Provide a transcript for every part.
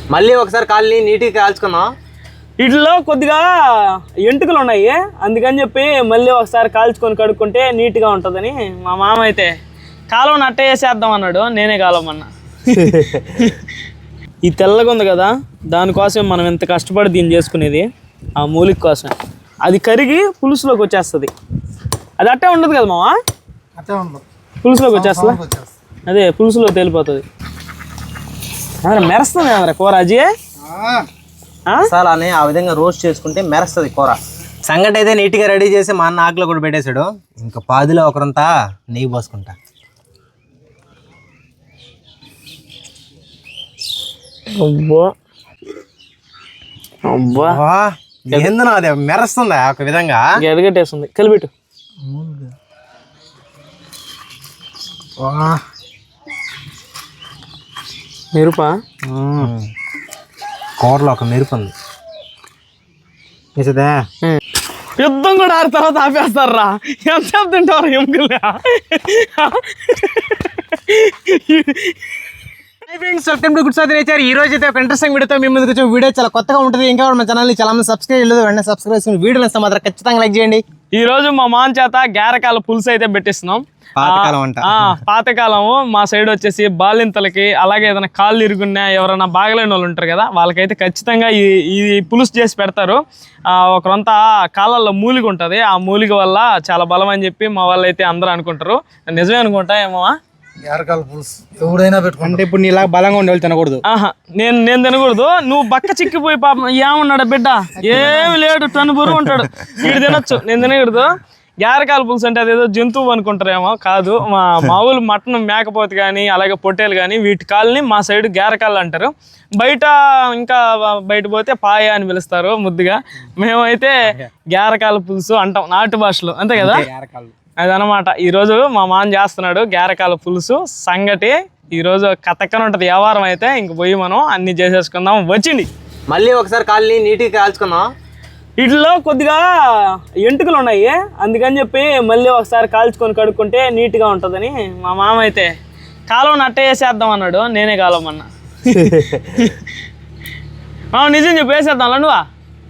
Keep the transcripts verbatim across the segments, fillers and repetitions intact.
మళ్ళీ ఒకసారి కాళ్ళని నీట్గా కాల్చుకుందాం. వీటిలో కొద్దిగా ఎంటుకలు ఉన్నాయి, అందుకని చెప్పి మళ్ళీ ఒకసారి కాల్చుకొని కడుక్కుంటే నీట్గా ఉంటుందని మా మామ అయితే కాలం నట్ట వేసేద్దాం అన్నాడు. నేనే కాలమన్నా. ఈ తెల్లగా ఉంది కదా, దానికోసం మనం ఎంత కష్టపడి దీన్ని చేసుకునేది ఆ మూలిక కోసం. అది కరిగి పులుసులోకి వచ్చేస్తుంది. అది అట్టే ఉండదు కదా మామ, పులుసులోకి వచ్చేస్తుంది. అదే పులుసులో తేలిపోతుంది. మెరుస్తుంది కదా కూర అజీ. మసాలాని ఆ విధంగా రోస్ట్ చేసుకుంటే మెరుస్తుంది కూర. సంగటి అయితే నీట్గా రెడీ చేసి మా అన్న ఆకులో కూడా పెట్టేశాడు. ఇంకా పాదిలో ఒకరంతా నెయ్యి పోసుకుంటా. అబ్బా అబ్బా ఏందనో అదే మెరుస్తుందా ఒక విధంగా, ఎదగట్టేస్తుంది. కలిపెట్టు. మెరుపా కూరలో ఒక మెరుపు ఉంది. వేసేదా యుద్ధం కూడా ఆరు తర్వాత ఆపేస్తారా? ఎంతసేపు తింటారు ఎముకలే? ఈ రోజు అయితే ఒక ఇంట్రెస్టింగ్ వీడియోతో మీ ముందుకు వచ్చే వీడియో చాలా కొత్తగా ఉంటుంది. ఇంకా మన ఛానల్ చాలా మంది సబ్స్క్రైబ్ చేయలేదు, వెంటనే సబ్స్క్రైబ్ చేసుకుని వీడియోలు ఇస్తే మాత్రం ఖచ్చితంగా లైక్ చేయండి. ఈ రోజు మా మాన్ చేత గారెకాల పులుసు అయితే పెట్టిస్తున్నాం. పాతకాలం అంట. పాతకాలము మా సైడ్ వచ్చేసి బాలింతలకి, అలాగే ఏదైనా కాళ్ళు ఇరుగున్నా ఎవరైనా బాగలేని వాళ్ళు ఉంటారు కదా, వాళ్ళకైతే ఖచ్చితంగా ఈ ఈ పులుసు చేసి పెడతారు. ఒకరంతా కాళ్ళల్లో మూలిక ఉంటుంది, ఆ మూలిక వల్ల చాలా బలం అని చెప్పి మా వాళ్ళు అయితే అందరూ అనుకుంటారు. నిజమే అనుకుంటా ఏమో. ఎవడైనా పెట్టుకుంటే ఇప్పుడు నీ ఇలా బలంగా ఉండేవాళ్ళు తినకూడదు. ఆహా, నేను నేను తినకూడదు. నువ్వు బక్క చిక్కిపోయి పాపం ఏమన్నాడు బిడ్డ, ఏమి లేడు టన్ను బరువు ఉంటాడు, వీడు తినొచ్చు, నేను తినకూడదు. గారెకాల పులుసు అంటే అదేదో జంతువు అనుకుంటారేమో, కాదు. మా మామూలు మటన్ మేకపోతే కానీ అలాగే పొట్టేలు కానీ వీటి కాళ్ళని మా సైడ్ గారెకాళ్ళు అంటారు. బయట ఇంకా బయట పోతే పాయ అని పిలుస్తారు ముద్దుగా. మేమైతే గారెకాల పులుసు అంటాం నాటు భాషలో, అంతే కదా. అదనమాట ఈరోజు మా మాన్ చేస్తున్నాడు గారెకాల పులుసు సంగటి. ఈరోజు కథక్కన ఉంటుంది వ్యవహారం. అయితే ఇంక పోయి మనం అన్ని చేసేసుకుందాం. వచ్చింది మళ్ళీ ఒకసారి కాళ్ళని నీట్గా కాల్చుకుందాం. వీటిలో కొద్దిగా ఎంటుకలు ఉన్నాయి, అందుకని చెప్పి మళ్ళీ ఒకసారి కాల్చుకొని కడుక్కుంటే నీట్గా ఉంటుందని మా మామ అయితే కాలం నట్ట వేసేద్దాం అన్నాడు. నేనే కాలమన్నా. నిజం చెప్పి వేసేద్దాం నువ్వా.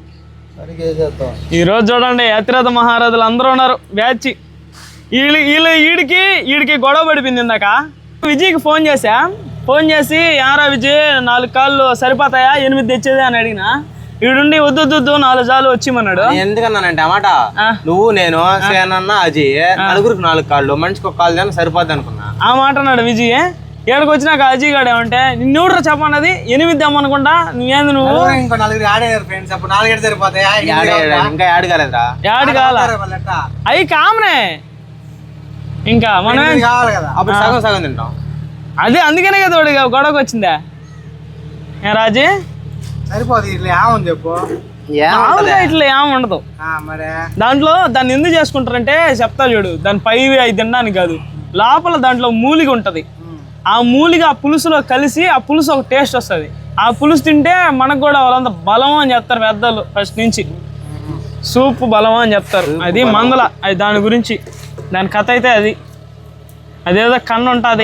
ఈరోజు చూడండి అతిరథ మహారాజులు అందరూ ఉన్నారు బ్యాచ్. వీళ్ళు వీళ్ళు వీడికి వీడికి గొడవ పడిపోయింది ఇందాక. విజయ్కి ఫోన్ చేసా, ఫోన్ చేసి యారా విజయ్ నాలుగు కాళ్ళు సరిపోతాయా, ఎనిమిది తెచ్చేది అని అడిగిన. వీడుండి వద్దు వద్దు నాలుగు జాలు వచ్చిమన్నాడు. ఎందుకన్నానంటే అన్నమాట, నువ్వు నేను సేనన్న అజయ్ నలుగురికి నాలుగు కాళ్ళు, మనిషికి ఒక కాళ్ళు దాన్ని సరిపోద్ది అనుకున్నా. ఆ మాట అన్నాడు విజయ్. ఏడకి వచ్చినాక అజయ్ గాడు ఏమంటే నిన్నూడ్రా చెప్పన్నది ఎనిమిది అమ్మనుకుంటా, నువ్వేంది నువ్వు ఇంకో నలుగురు ఆడేదారు ఫ్రెండ్స్, అప్పుడు నాలుగేడు సరిపోతాయా? ఇంకా యాడ్ కాలేదురా, యాడ్ కాల అవి కామనే. ఇంకా మనం కావాలి కదా, అప్పుడు సగం సగం తింటాం. అదే అందుకనే కదా వాడు గొడవకు వచ్చిందా. ఏ రాజీ సరిపోదు ఇట్లా ఏమని చెప్పు. ఇట్లా ఏమి ఉండదు దాంట్లో. దాన్ని ఎందుకు చేసుకుంటారంటే చెప్తా చూడు, దాని పై అవి తినడానికి కాదు, లోపల దాంట్లో మూలిక ఉంటది. ఆ మూలిక ఆ పులుసులో కలిసి ఆ పులుసు ఒక టేస్ట్ వస్తుంది. ఆ పులుసు తింటే మనకు కూడా వాళ్ళంతా బలం అని చెప్తారు పెద్దలు ఫస్ట్ నుంచి. సూప్ బలం అని చెప్తారు. అది మందల, అది దాని గురించి దాని కథ అయితే అది. అదేదో కన్ను ఉంటుంది,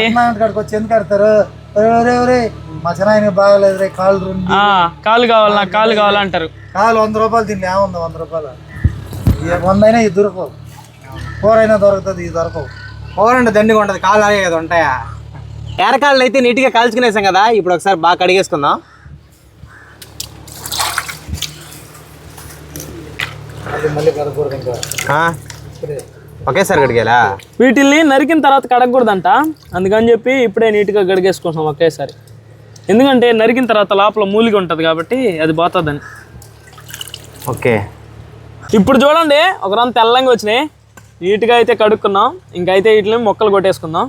కాలు కావాలి నాకు కాలు కావాలంటారు. కాలు వంద రూపాయలు తిండి ఏముంది, వంద రూపాయలు వంద అయినా ఇది దొరకవు. కూర అయినా దొరుకుతుంది, ఇది దొరకవు. కూర అంటే దండిగా ఉంటుంది, కాలు అలాగే కదా ఉంటాయా. ఎరకాళ్ళు అయితే నీట్గా కాల్చుకునేసాం కదా, ఇప్పుడు ఒకసారి బాగా కడిగేసుకుందాం. మళ్ళీ కడగకూడదు ఇంకా, ఒకేసారి కడిగేలా. వీటిల్ని నరికిన తర్వాత కడగకూడదంట, అందుకని చెప్పి ఇప్పుడే నీట్గా కడిగేసుకుంటాం ఒకేసారి. ఎందుకంటే నరికిన తర్వాత లోపల మూలిక ఉంటుంది కాబట్టి అది పోతుందని. ఓకే, ఇప్పుడు చూడండి ఒక రోజు తెల్లంగా వచ్చినాయి, నీట్గా అయితే కడుక్కున్నాం. ఇంకైతే వీటిని మొక్కలు కొట్టేసుకుందాం.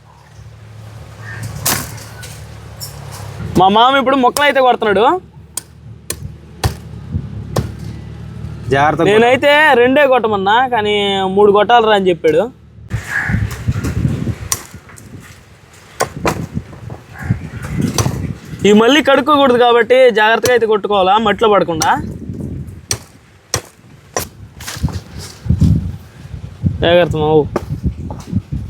మా మామ ఇప్పుడు మొక్కలు అయితే కొడుతున్నాడు. జాగ్రత్త. నేనైతే రెండే కొట్టమన్నా, కానీ మూడు కొట్టాలరా అని చెప్పాడు. ఈ మళ్ళీ కడుక్కోకూడదు కాబట్టి జాగ్రత్తగా అయితే కొట్టుకోవాలా, మట్టిలో పడకుండా. జాగ్రత్త మావు.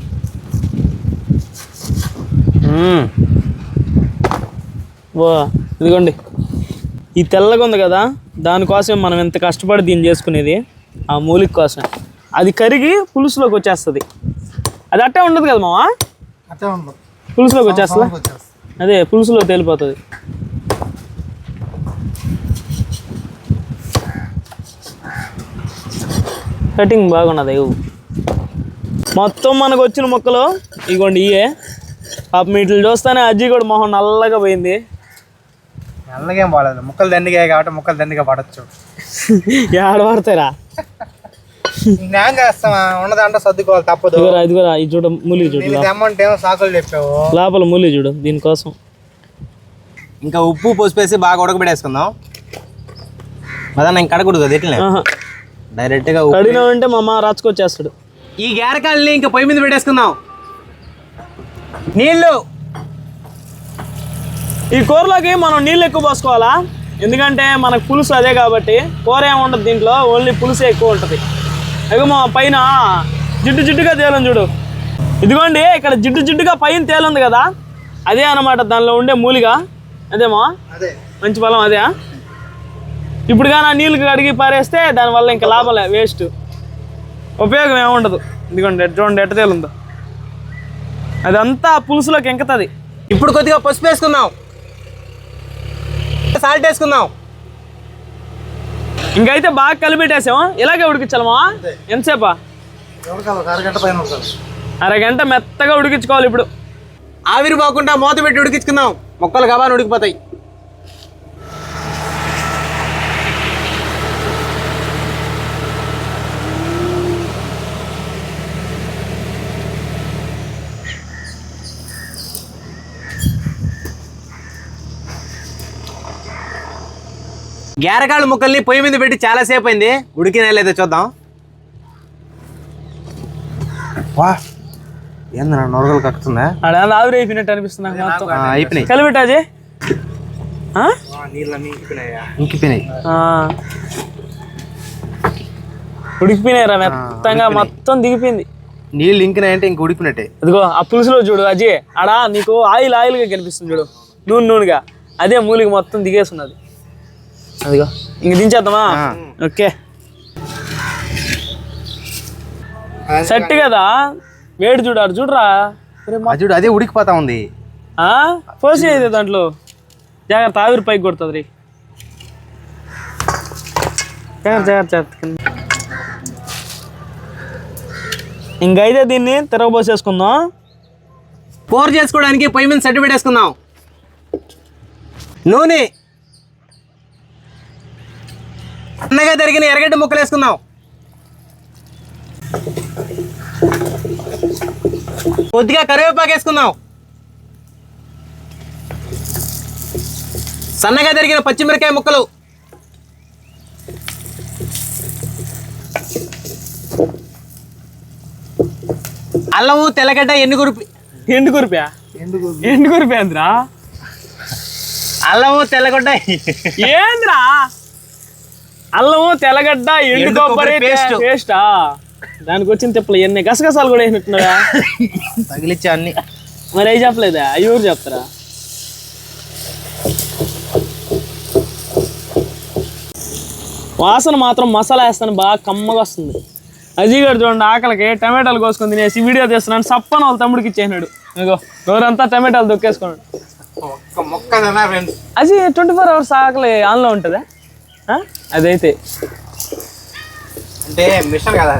వా ఇదిగోండి ఈ తెల్లగా ఉంది కదా, దానికోసం మనం ఎంత కష్టపడి దీన్ని చేసుకునేది, ఆ మూలిక కోసం. అది కరిగి పులుసులోకి వచ్చేస్తుంది. అది అట్టే ఉండదు కదా మావా, అట్టే ఉండదు, పులుసులోకి వచ్చేస్తా. అదే పులుసులో తేలిపోతుంది. కటింగ్ బాగున్నది. మొత్తం మనకు వచ్చిన మొక్కలు ఇగోండి ఇయే. పాపం వీటిని చూస్తానే అజ్జి కూడా మొహం నల్లగా పోయింది. నల్లగేం పడదు, ముక్కలు దండిగా కాబట్టి ముక్కలు దండిగా పడచ్చు. ఏడ పడతారా? న్యాయం చేస్తామా, ఉన్నదంటే సర్దుకోవాలి తప్పదు. ఇది కూడా ఇది చూడ మూలి చూడు, అమౌంట్ ఏమో సాకులు చెప్పావు, లోపల మూలి చూడు. దీనికోసం ఇంకా ఉప్పు పోసిపేసి బాగా ఉడకబెట్టేసుకుందాం. అదన్నా ఇంక కడకూడదు కదా, ఎట్లనే డైరెక్ట్గా కడిగినా అంటే మా అమ్మ రాచుకొచ్చేస్తాడు. ఈ గేరకాయల్ని ఇంకా పొయ్యి మీద పెట్టేసుకుందాం. నీళ్ళు ఈ కూరలోకి మనం నీళ్ళు ఎక్కువ పోసుకోవాలా, ఎందుకంటే మనకు పులుసు అదే కాబట్టి. కూర ఏముండదు దీంట్లో, ఓన్లీ పులుసే ఎక్కువ ఉంటుంది. అయ్యో మా పైన జిడ్డు జిడ్డుగా తేలం చూడు. ఇదిగోండి ఇక్కడ జిడ్డు జిడ్డుగా పైన తేలుంది కదా, అదే అన్నమాట దానిలో ఉండే మూలిగా. అదేమా అదే మంచి బలం అదే. ఇప్పుడు కానీ ఆ నీళ్ళు కడిగి పారేస్తే దానివల్ల ఇంకా లాభం, వేస్ట్, ఉపయోగం ఏముండదు. ఇదిగోండి చూడండి ఎట్ట తేలుందో, అదంతా పులుసులోకి ఎంకుతుంది. ఇప్పుడు కొద్దిగా పసుపు వేసుకుందాం, సాల్ట్ వేసుకుందాం. ఇంకైతే బాగా కలిపెట్టేసాము. ఇలాగే ఉడికించాలమా? ఎంతసేపా? అరగంట పైన అరగంట మెత్తగా ఉడికించుకోవాలి. ఇప్పుడు ఆవిరి పోకుండా మూత పెట్టి ఉడికించుకుందాం, మొక్కలు గబాని ఉడికిపోతాయి. గేరకాయల ముక్కల్ని పొయ్యి మీద పెట్టి చాలాసేపు అయింది, ఉడికినా లేదో చూద్దాం. వా ఏందన్నా నొరగలు కక్కుతుందా? అలా ఆవిరి అయిపోయినట్టు అనిపిస్తుంది మొత్తం. అయిపోయినాయి, కలిపెట్టాజీ ఇంకిపోయినాయి, ఉడికిపోయినాయిరా మెత్తంగా, మొత్తం దిగిపోయింది. నీళ్ళు ఇంకినాయంటే ఇంక ఉడికినట్టే. అదిగో ఆ పులుసులో చూడు అజయ్, ఆడా నీకు ఆయిల్ ఆయిల్గా కనిపిస్తుంది చూడు, నూనె నూనెగా. అదే మూలికి మొత్తం దిగేస్తున్నది. అదిగో ఇంక దించేద్దామా? ఓకే సెట్ కదా. వేడి చూడాడు చూడరా, చూడు అదే ఉడికిపోతా ఉంది. పోసి అయితే దాంట్లో జాగ్రత్త, ఆవిరి పైకి కొడుతుంది రీ. జాగ్రత్త జాగ్రత్త. ఇంకైతే దీన్ని తిరగబోసేసుకుందాం. కూర చేసుకోవడానికి పొయ్యి మీద సెట్ పెట్టేసుకుందాం. నూనె, సన్నగా తరిగిన ఎర్రగడ్డ ముక్కలు వేసుకుందాం. కొద్దిగా కరివేపాకు వేసుకుందాం. సన్నగా తరిగిన పచ్చిమిరకాయ ముక్కలు, అల్లము, తెల్లగడ్డ, ఎండుగురిపి. ఎండుగురిపా? ఎండుగురిపి ఏంద్రా? అల్లము, తెల్లగడ్డ ఏంద్రా? అల్లము, తెల్లగడ్డ, ఎండు కొబ్బరి పేస్టా? దానికి వచ్చిన తిప్పలు ఎన్ని గసగసాలు కూడా వేసినట్టున్నారా? తగిలిచ్చా అన్ని. మరి అవి చెప్పలేదా? అవి ఎవరు చెప్తారా? వాసన మాత్రం మసాలా వేస్తాను బాగా కమ్మగా వస్తుంది. అజయ్ గారు చూడండి ఆకలికి టమాటాలు కోసుకొని తినేసి వీడియో తీస్తున్నాను, సప్పన వాళ్ళ తమ్ముడికి ఇచ్చేసినాడు. ఇగో ఎవరంతా టమాటాలు దొక్కేసుకున్నాడు. అజయ్ ట్వంటీ ఫోర్ అవర్స్ ఆకలి ఆన్లో ఉంటుందా? అదైతే అంటే మిషన్ కదా,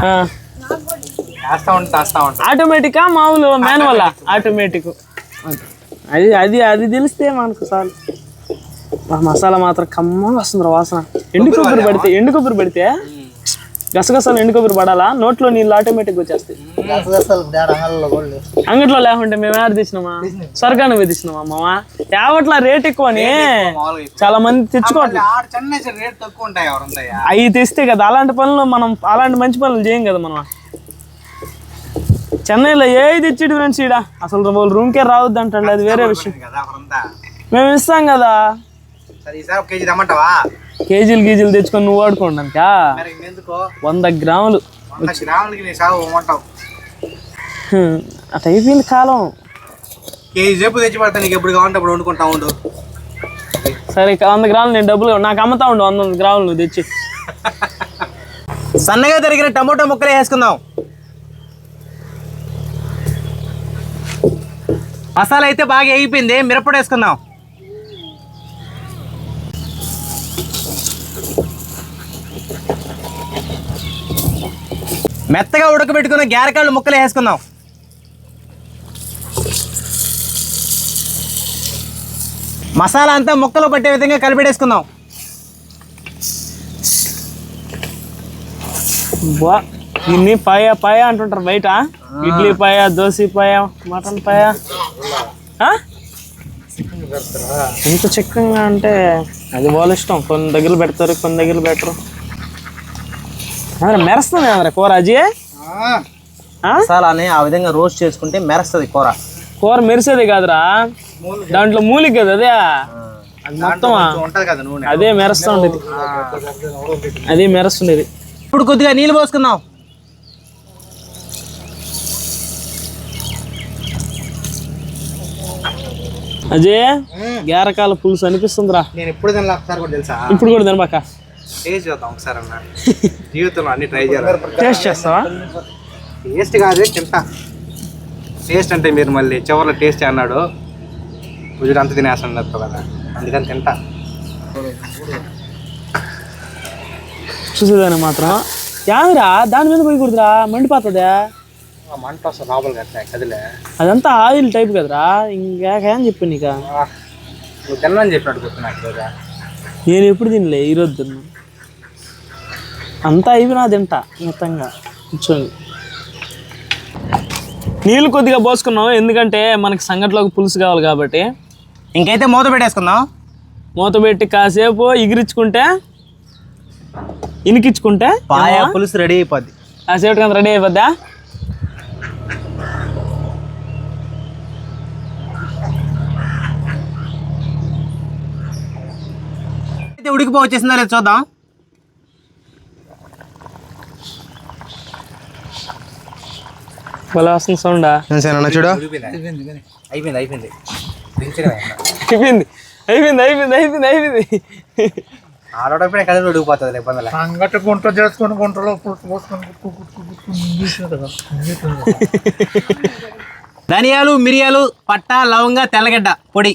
ఆటోమేటికా మామూలు మాన్యువల్? ఆటోమేటిక్. అది అది అది తెలిస్తే మనకు చాలు. మసాలా మాత్రం కమ్మగా వస్తుంది వాసన. ఎండు కొబ్బరి పడితే ఎండు కొబ్బరి పడితే గసగసాలు ఎండు కొబ్బరి పడాలా, నోట్లో నీళ్ళు ఆటోమేటిక్ వచ్చేస్తాయి. అంగట్లో లేకుంటే మేము ఏడ తెచ్చినామా? స్వర్గాన్ని పోయి తెచ్చినామా మామా? యావట్లా రేట్ ఎక్కువ అని చాలా మంది తెచ్చుకోవట్లేదు. అవి తెస్తే కదా అలాంటి పనులు మనం, అలాంటి మంచి పనులు చేయం కదా మనం. చెన్నైలో ఏది తెచ్చిడు ఫ్రెండ్స్, ఈడ అసలు వాళ్ళు రూమ్కే రావద్దు అంటాడు, అది వేరే విషయం. మేము ఇస్తాం కదా, కేజీలు గీజీలు తెచ్చుకొని నువ్వు వాడుకోండి అంతా. వంద గ్రాములు అట్లా అయిపోయింది కాలం. కేజీ రేపు తెచ్చి పడతా, నీకు ఎప్పుడు కావాలంటే అప్పుడు వండుకుంటా ఉండు. సరే వంద గ్రాములు నేను డబ్బులు నాకు అమ్ముతా ఉండు వంద వంద గ్రాములు నువ్వు తెచ్చి. సన్నగా తరిగిన టమోటా ముక్కలు వేసుకుందాం. మసాలా అయితే బాగా వేగిపోయింది, మిరప్పొడి వేసుకుందాం. మెత్తగా ఉడకబెట్టుకున్న గారెకాళ్ళు ముక్కలు వేసుకుందాం. మసాలా అంతా ముక్కలు పట్టే విధంగా కలిపెట్టేసుకుందాం. బా దీన్ని పాయ పాయ అంటుంటారు బయట. ఇడ్లీ పాయ, దోశ పాయ, మటన్ పాయ. ఎంత చిక్కగా అంటే అది వాళ్ళ ఇష్టం. కొన్ని దగ్గర పెడతారు, కొన్ని దగ్గర పెట్టరు. మెరుస్తుంది కదా కూర అజయ్. మసాలాని ఆ విధంగా రోస్ట్ చేసుకుంటే మెరుస్తుంది కూర. కూర మెరిసేది కాదురా, దాంట్లో మూలిక కదా అదే, అది మొత్తం అదే మెరుస్తూ ఉండేది, అదే మెరుస్తుండేది. ఇప్పుడు కొద్దిగా నీళ్ళు పోసుకుందాం. అజయ్ గారకాల పులుసు అనిపిస్తుందిరా. నేను ఎప్పుడు తినలే, ఒకసారి కూడా తెలుసా? ఇప్పుడు కూడా తినబాక, టేస్ట్ చేద్దాం ఒకసారి అన్న. జీవితంలో అన్ని ట్రై చేయాలి. టేస్ట్ చేస్తావా? టేస్ట్ కాదు తింటా. టేస్ట్ అంటే మీరు మళ్ళీ చివరిలో టేస్ట్ అన్నాడు, పూజలు అంత తినేస్తాడు కదా, అందుకని తింటా. చూసేదాన్ని మాత్రం యాదిరా, దాని మీద పోయి కుడుతురా, మండిపోతుందా? మంట వస్తుంది లోపల కట్టా కదిలే. అదంతా ఆయిల్ టైప్ కదరా, ఇంకేం చెప్పు నీక. నువ్వు తినని చెప్పినట్టు గుర్తు నాకు కదా. నేను ఎప్పుడు తినలే, ఈరోజు తిన్నా. అంతా అయిపోయినా తింటా మొత్తంగా కూర్చొని. నీళ్ళు కొద్దిగా పోసుకున్నాం, ఎందుకంటే మనకి సంగట్లోకి పులుసు కావాలి కాబట్టి. ఇంకైతే మూత పెట్టేసుకుందాం. మూత పెట్టి కాసేపు ఎగిరించుకుంటే, ఇనికించుకుంటే పాయ పులుసు రెడీ అయిపోద్ది. కాసేపు కదా రెడీ అయిపోద్దా? అయితే ఉడికిపో వచ్చేసిందా లేదు చూద్దాం. భలే వస్తుంది సౌండా. చూడు అయిపోయింది అయిపోయింది అయిపోయింది అయిపోయింది అయిపోయింది అయిపోయింది అయిపోయింది అయిపోయింది ఆడోడప్పుడే కదిలి ఉడికిపోతుంది ఇబ్బంది. సంగటి గుంట చేసుకొని గుంటలో పోసుకొని ధనియాలు, మిరియాలు, పట్ట, లవంగ, తెల్లగడ్డ పొడి.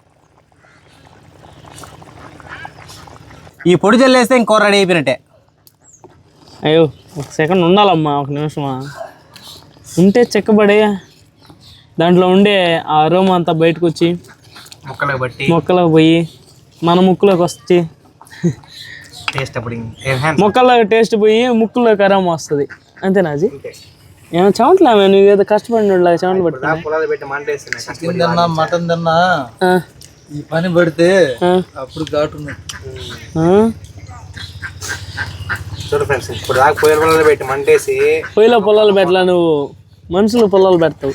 ఈ పొడి జల్లేస్తే ఇంకో రెడీ అయిపోయినట్టే. అయ్యో ఒక సెకండ్ ఉండాలమ్మా, ఒక నిమిషమా ఉంటే చెక్కబడి దాంట్లో ఉండే ఆ అరోమా అంతా బయటకు వచ్చి ముక్కలకు బట్టి మొక్కలకు పోయి మన ముక్కులోకి వచ్చి టేస్ట్ అప్పుడు మొక్కల్లో టేస్ట్ పోయి ముక్కులోకి అరోమా వస్తుంది. అంతేనా అది? ఏమో చెమట్లా నువ్వు ఏదో కష్టపడినలాగా చెమటలు పట్టుకున్నా. చికెన్ తిన్నా, మటన్ తిన్నా, ఈ పని పడితే అప్పుడు ఘాటు. చూడు ఫ్రెండ్స్, ఇప్పుడు దాకా పొయ్యిల పొలాలు పెట్టి మంటేసి పొయ్యిలో పొలాలు పెట్టలా, నువ్వు మనుషులు పొలాలు పెడతావు.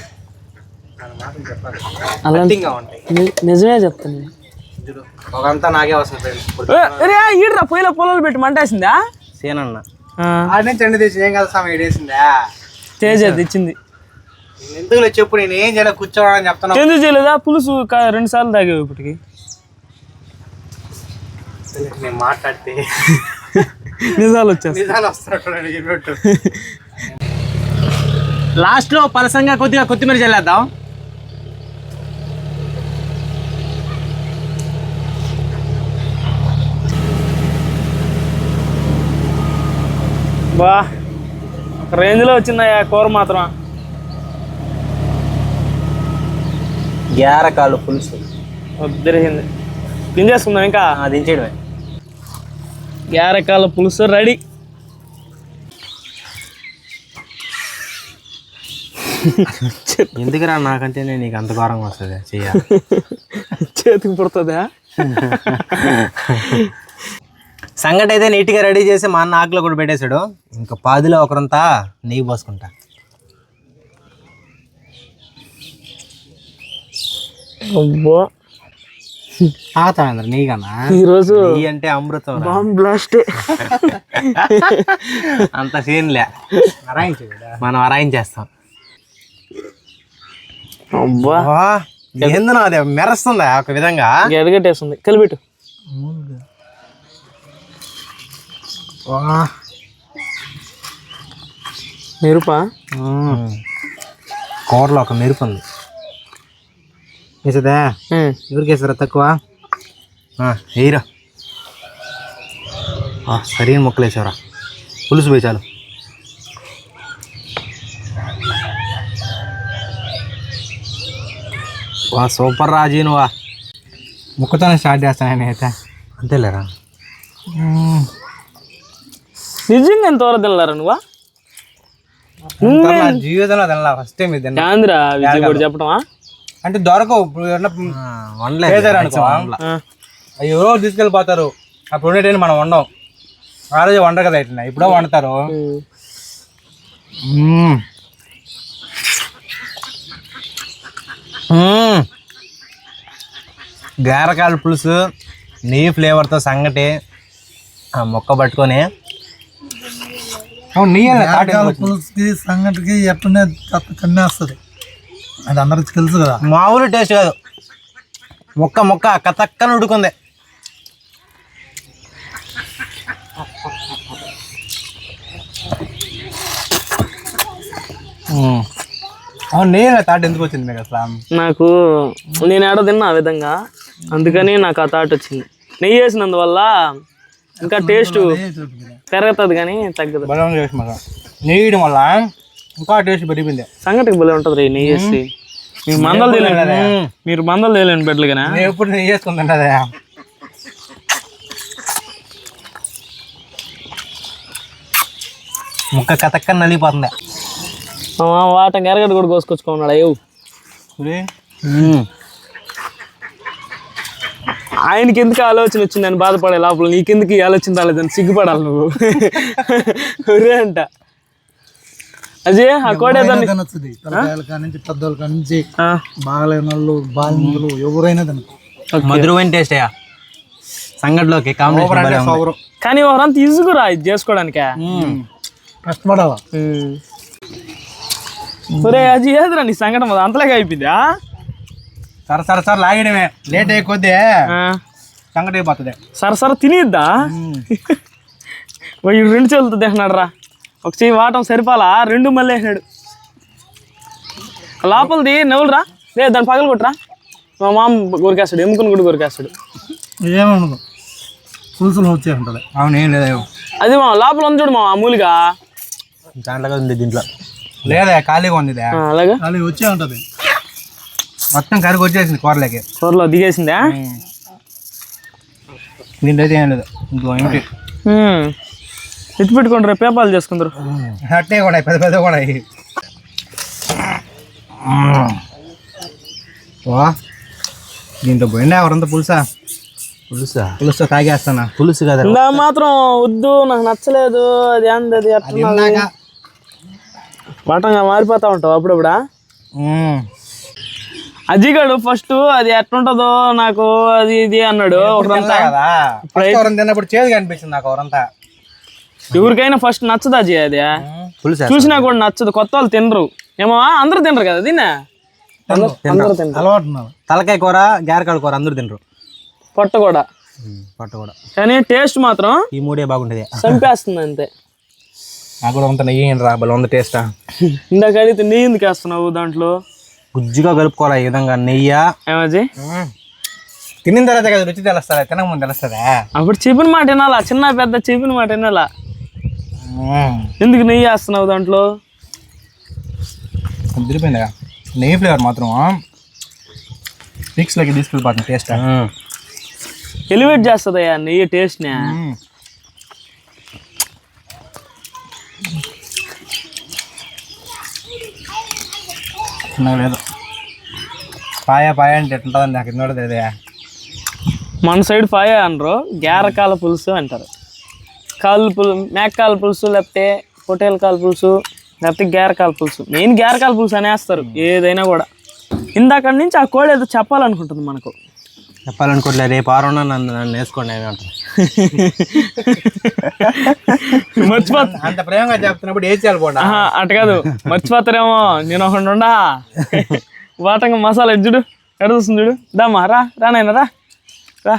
అలా నిజమే చెప్తాను. ఒకంతా నాకే వస్తుంది ఫ్రెండ్స్. ఈడరా పొయ్యిలో పొలాలు పెట్టి మంటేసిందా? సేనన్న ఆడి నుంచి ఎండ తీసి ఏం కదా సమయం వేసిందా? తేజ తెచ్చింది. ఎందుకు చెప్పు, నేను ఏం చేయాలి కూర్చోవాలని చెప్తాను. ఎందుకు చేయలేదా? పులుసు రెండు సార్లు తాగావు ఇప్పటికి. నేను మాట్లాడితే నిజాలు వచ్చేస్తాయి. నిజాలు వస్తున్నట్టు. లాస్ట్లో పలసంగా కొద్దిగా కొత్తిమీర చల్లేద్దాం. బా ఒక రేంజ్లో వచ్చిందా కూర మాత్రం. గారకాలు పులుసు వద్దరిగింది. దించేసుకుందాం ఇంకా. దించేయడమే. గారకాల పులుసు రెడీ. ఎందుకురా నాకంటేనే నీకు అంత ఘోరంగా వస్తుంది చెయ్య. చేతికి పుడుతుందా? సంగటి అయితే నీట్గా రెడీ చేసి మా అన్న ఆకులో కూడా పెట్టేశాడు. ఇంకా పాదిలో ఒకరంతా నెయ్యి పోసుకుంటా. అబ్బో తాగుతాం నెయ్యి కన్నా. ఈరోజు నెయ్యి అంటే అమృతం. Bomb blast. అంత సీన్లే, మనం అరాయించేస్తాం. అబ్బా ఏందన్నా అది మెరుస్తుందా ఒక విధంగా? ఎరగట్టేస్తుంది కలిపెట్టు. మెరుపా? కూరలో ఒక మెరుపు ఉంది. వేసేదా? ఎవరికి వేసారా తక్కువ? వేయరా. సరైన మొక్కలు వేసారా? పులుసు పోయి చాలు. వా సూపర్ రాజీ నువ్వా. ముక్కతోనే స్టార్ట్ చేస్తాను అయితే. అంతేలేరా. నిజంగా ఎంతవరకు తినలేరా నువ్వా? జీవితంలో తినలా ఫస్ట్ టైం ఇది. ఆంధ్రా విజయ్ కూడా చెప్పటమా? అంటే దొరకవు. ఇప్పుడు వండలేదు అవి ఎవరో తీసుకెళ్ళిపోతారు. అప్పుడు ఉండేటైనా మనం వండం. ఆ రోజు వండరు కదా ఇట్లా, ఇప్పుడో వండుతారు. గారకాయల పులుసు నెయ్యి ఫ్లేవర్తో సంగటి ఆ మొక్క పట్టుకొని నెయ్యి పులుసుకి సంగటికి ఎట్లనే కన్నేస్తుంది. అది అందరికి తెలుసు కదా. మామూలు టేస్ట్ కాదు. మొక్క మొక్క కతక్కన ఉడుకుంది. అవును నెయ్యి థాట్ ఎందుకు వచ్చింది మీకు అసలు? నాకు నేను ఏడో తిన్నా ఆ విధంగా, అందుకని నాకు ఆ థాట్ వచ్చింది. నెయ్యి వేసినందువల్ల ఇంకా టేస్ట్ పెరుగుతుంది కానీ తగ్గదు. బలం చేసి మాట నెయ్యడం వల్ల ఇంకా టేస్ట్ పెరిగింది. సంగటికి భలే ఉంటుంది రీ నెయ్యి వేసి. మీరు మందలు తేలేను మీరు మందలు తేలేను బెడ్లుగానే. నేను ఎప్పుడు నెయ్యి వేసుకుంది అదే ముక్క కతక్కని నలిగిపోతుంది. వాటం ఎరగడ్డ కూడా కోసుకొచ్చుకున్నాడు. అయ్యో ఆయనకి ఎందుకు ఆలోచన వచ్చిందని బాధపడే లోపల నీకెందుకు ఈ ఆలోచన రాలేదని సిగ్గుపడాలి నువ్వు అంట. అజయ్ ఆ కోడేదాన్ని తినొచ్చుది. పిల్లకాయల కాడి నుంచి పెద్దోళ్ళ కాడి నుంచి బాగలేని వాళ్ళు బాలిందులు ఎవరైనా తినచ్చు. మధురమైన టేస్ట్ అయ్యా సంగట్లోకి కాంబినేషన్. కానీ ఎవరంతా ఈజీగా ఇది చేసుకోవడానికే కష్టపడాలా. ఒరే అది ఏదిరా నీ సంఘటన అంతలాగా అయిపోయిందా? సర సర సర లాగడమే లేట్ అయ్యే కొద్దీ సంగటి అయిపోతుంది. సరసర తినేద్దా? రెండు చేతులతో తింటున్నాడు రా. ఒక చెయ్యి వాటం సరిపాలా, రెండు మళ్ళీ వేసినాడు. లోపలిది నవ్వులు రా. లేదు దాన్ని పగలు కొట్టరా. మా మామ కొరికేస్తాడు, ఎముకను కూడా కొరికేస్తాడు. ఏమనదు పులుసులు వచ్చే ఉంటుంది. అవును ఏం లేదా అది మా లోపల ఉంది చూడు మా అమూలుగా దాంట్లో ఉంది. దీంట్లో లేదా ఖాళీగా ఉంది. అలాగా ఖాళీ వచ్చే ఉంటుంది. మొత్తం కరికి వచ్చేసింది కూరలోకి. కూరలో దిగేసిందా? దీంట్లో అయితే ఏం లేదు. ఇంకో ఏమిటి ఎత్తి పెట్టుకోండి రేపు పేపాలు చేసుకుందరు. అట్టే కూడా పెద్ద పెద్ద కూడా దీంట్లో పోయిందా ఎవరంతా పులుసా? పులుసా పులుసు తాగేస్తానా? పులుసు కదా నా మాత్రం వద్దు, నాకు నచ్చలేదు. అది ఏంది అది అట్లా వాటంగా మారిపోతా ఉంటావు అప్పుడప్పుడా. అజిగాడు ఫస్ట్ అది ఎట్లుంటుందో నాకు అది ఇది అన్నాడు. తిన్నప్పుడు చేదు కనిపించింది నాకు. ఎవరంతా ఎవరికైనా ఫస్ట్ నచ్చదు అజయ్. అది చూసినా కూడా నచ్చదు. కొత్త వాళ్ళు తినరు ఏమో. అందరూ తినరు కదా దీన్ని. అలవాటు. తలకాయ కూర గారకాయ కూర అందరూ తినరు. పొట్ట కూడా పొట్ట కూడా. కానీ టేస్ట్ మాత్రం ఈ మూడే బాగుంటుంది. చంపేస్తుంది అంతే. నాకు కూడా అంత నెయ్యి రా బలం ఉంది టేస్టా. ఇందాక అడిగితే నెయ్యి ఎందుకు వేస్తున్నావు దాంట్లో? గుజ్జుగా కలుపుకోవాలి ఈ విధంగా నెయ్యి. ఏమజీ తినిన తర్వాత కదా రుచి తెలుస్తుందా? తినక ముందు తెలుస్తుందా? అప్పుడు చెప్పిన మాట వినాలా. చిన్న పెద్ద చెప్పిన మాట వినాలా. ఎందుకు నెయ్యి వేస్తున్నావు దాంట్లో? తిరిగిపోయిందిగా నెయ్యి ఫ్లేవర్ మాత్రం ఫిక్స్లోకి తీసుకెళ్ళిపోతుంది. టేస్ట్ ఎలివేట్ చేస్తుందయ్యా నెయ్యి టేస్ట్ని. లేదు పాయ పాయ అంటే ఎట్లుంటుందండి నాకు ఇన్నోడదు. అదే మన సైడ్ పాయ అనరు, గారకాల పులుసు అంటారు. కాలు పులు మేకకాల పులుసు, లేకపోతే పొటేల కాల పులుసు, లేకపోతే గారకాల పులుసు. మెయిన్ గారకాల పులుసు అనేస్తారు ఏదైనా కూడా. ఇందాక నుంచి ఆ కోడి ఏదో చెప్పాలనుకుంటుంది మనకు. చెప్పాలనుకోవట్లేదు. రేపు ఆరు నన్ను నన్ను వేసుకోండి అని అంటారు. మర్చిపోతా అంత ప్రేమగా చెప్తున్నప్పుడు ఏం చేయాలి పోండి. అటు కాదు మర్చిపోతారేమో. నేను ఒకటి ఉండా వాటంగా మసాలా ఎడ్జుడు ఎడ చూస్తుంది చూడు దామా రా రానైనా రా రా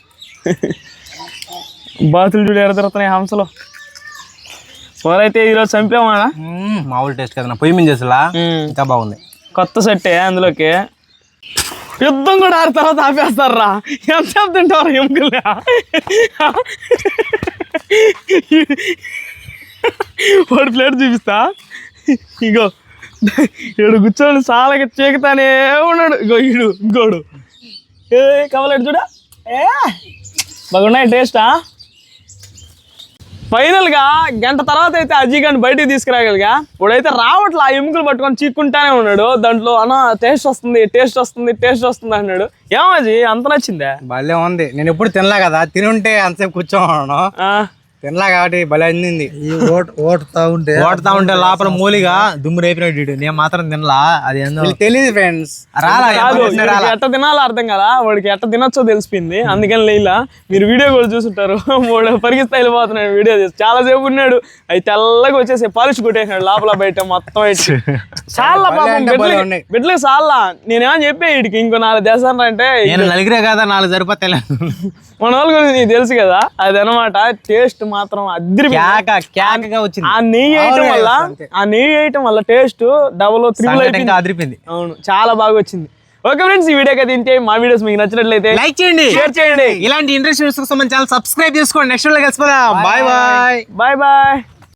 బాతులు చూడు ఎడ తిరుగుతున్నాయి హంసలో కూరైతే ఈరోజు చంపామా మామూలు టేస్ట్ కదా పొయ్యి మీద చేసలా ఇంకా బాగుంది కొత్త సెట్టే అందులోకి యుద్ధం కూడా ఆరు తర్వాత ఆపేస్తారా ఎంతసేపు తింటారు ఎముకలే వాడు ప్లేట్ చూపిస్తా ఇగో ఈడు కూర్చొని సాలకి చీకుతానే ఉన్నాడు ఇగో ఈడు ఇంకోడు ఏ కవలేడు చూడ ఏ బాగున్నాయి టేస్టా ఫైనల్గా గంట తర్వాత అయితే అజయ్ గారిని బయటికి తీసుకురాగలిగా ఇప్పుడైతే రావట్లే ఆ ఎముకలు పట్టుకొని చీక్కుంటానే ఉన్నాడు దాంట్లో అన్న టేస్ట్ వస్తుంది టేస్ట్ వస్తుంది టేస్ట్ వస్తుంది అన్నాడు ఏమో అజయ్ అంత నచ్చిందా భలే ఉంది నేను ఎప్పుడు తినలా కదా తినుంటే అంతసేపు కూర్చోను తినలా కాబట్టి భలే అందింది ఈ ఓట ఓటుతా ఉంటే ఓడతా ఉంటే లోపల మూలిగా దుమ్ము రేపినట్టు నేను మాత్రం తినలా అది తెలియదు ఫ్రెండ్స్ రాలా ఎట్ట తినాలో అర్థం కదా వాడికి ఎట్ట తినొచ్చో తెలిసిపోయింది అందుకని లేలా మీరు వీడియో కూడా చూసుంటారు వాడు పరిగిస్తా వెళ్ళిపోతున్నాడు వీడియో చేసి చాలా సేపు ఉన్నాడు అవి తెల్లగా వచ్చేసి పాలిష్ కొట్టేసినాడు లోపల బయట మొత్తం చాలా పాపం బిడ్డలకు చాలా నేనేమని చెప్పే వీడికి ఇంకో నాలుగు దేశాలు అంటే నేను నలిగిరే కదా నాలుగు సరిపోతే మన వాళ్ళ గురించి నీకు తెలుసు కదా అది అనమాట టేస్ట్ మాత్రం అద్దరి వచ్చింది ఆ నెయ్యి వేయటం వల్ల ఆ నెయ్యి వేయటం వల్ల టేస్ట్ డబల్ త్రిబుల్ అయిపోయింది అదిరిపోయింది అవును చాలా బాగా వచ్చింది ఓకే ఫ్రెండ్స్ ఈ వీడియో అయితే ఇంతే మా వీడియోస్ మీకు నచ్చినట్లయితే లైక్ చేయండి షేర్ చేయండి ఇలాంటి ఇంట్రెస్ట్ కోసం మన ఛానల్ సబ్స్క్రైబ్ చేసుకోండి నెక్స్ట్ వీడియోలో కలిసిపోదాం బాయ్ బాయ్ బాయ్ బాయ్